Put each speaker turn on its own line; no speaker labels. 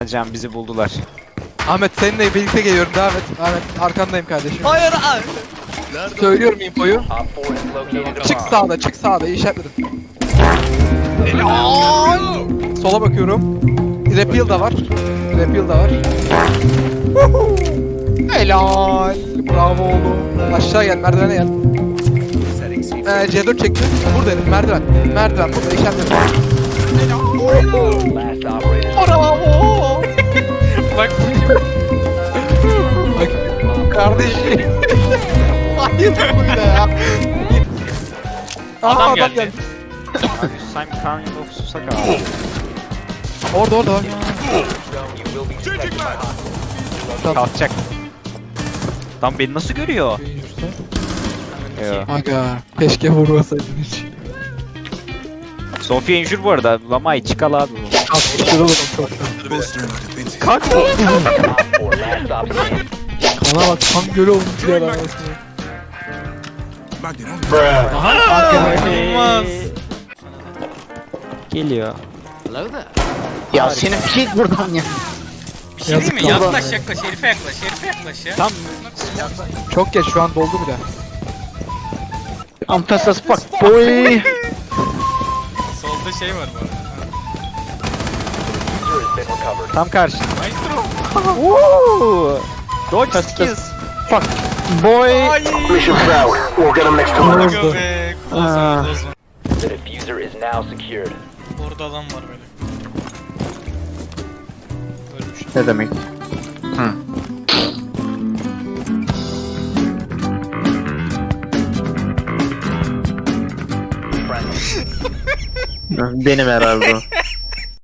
Can bizi buldular.
Ahmet seninle birlikte geliyorum, devam et. Ahmet arkandayım kardeşim.
Hayır abi.
Söylüyorum infoyu. Çık sağda iyi işaretledim. Sola bakıyorum. Repeal da var. Helal. Bravo oğlum. Aşağı gel, merdivene gel. C4 çekti. Buradayım, merdiven. Merdiven burada işaretledim. Bravo.
Bak.
Bak kardeşim. Hayır bu ne ya?
Adam geldi.
Simon Carnival of Susaka abi.
Orada.
Kalkacak. Tam beni nasıl görüyor? Yo.
Aga keşke vurmasaydın hiç.
Sofia injur bu arada. Lamay çıkal abi bu.
Kalkmıştır oğlum çok.
Kalk.
Kana bak kan gölü olmuş ya lan.
İnanılmaz.
Geliyor.
Ya senin git buradan ya.
Bir şey değil mi? Yaklaş yaklaş. Herife yaklaş ya.
Tam
Çok geç şu an doldu bile.
I'm fast as fuck boy.
Solda şey var bu arada.
tam karşı.
Maestro.
Woo! Dodge skills.
Fuck boy.
Ay.
Mission failed. We'll get them next time.
Bozma be. Bozma.
The diffuser is now secured.
Orada adam var böyle. Ölmüş.
Ne demek? Benim herhalde o.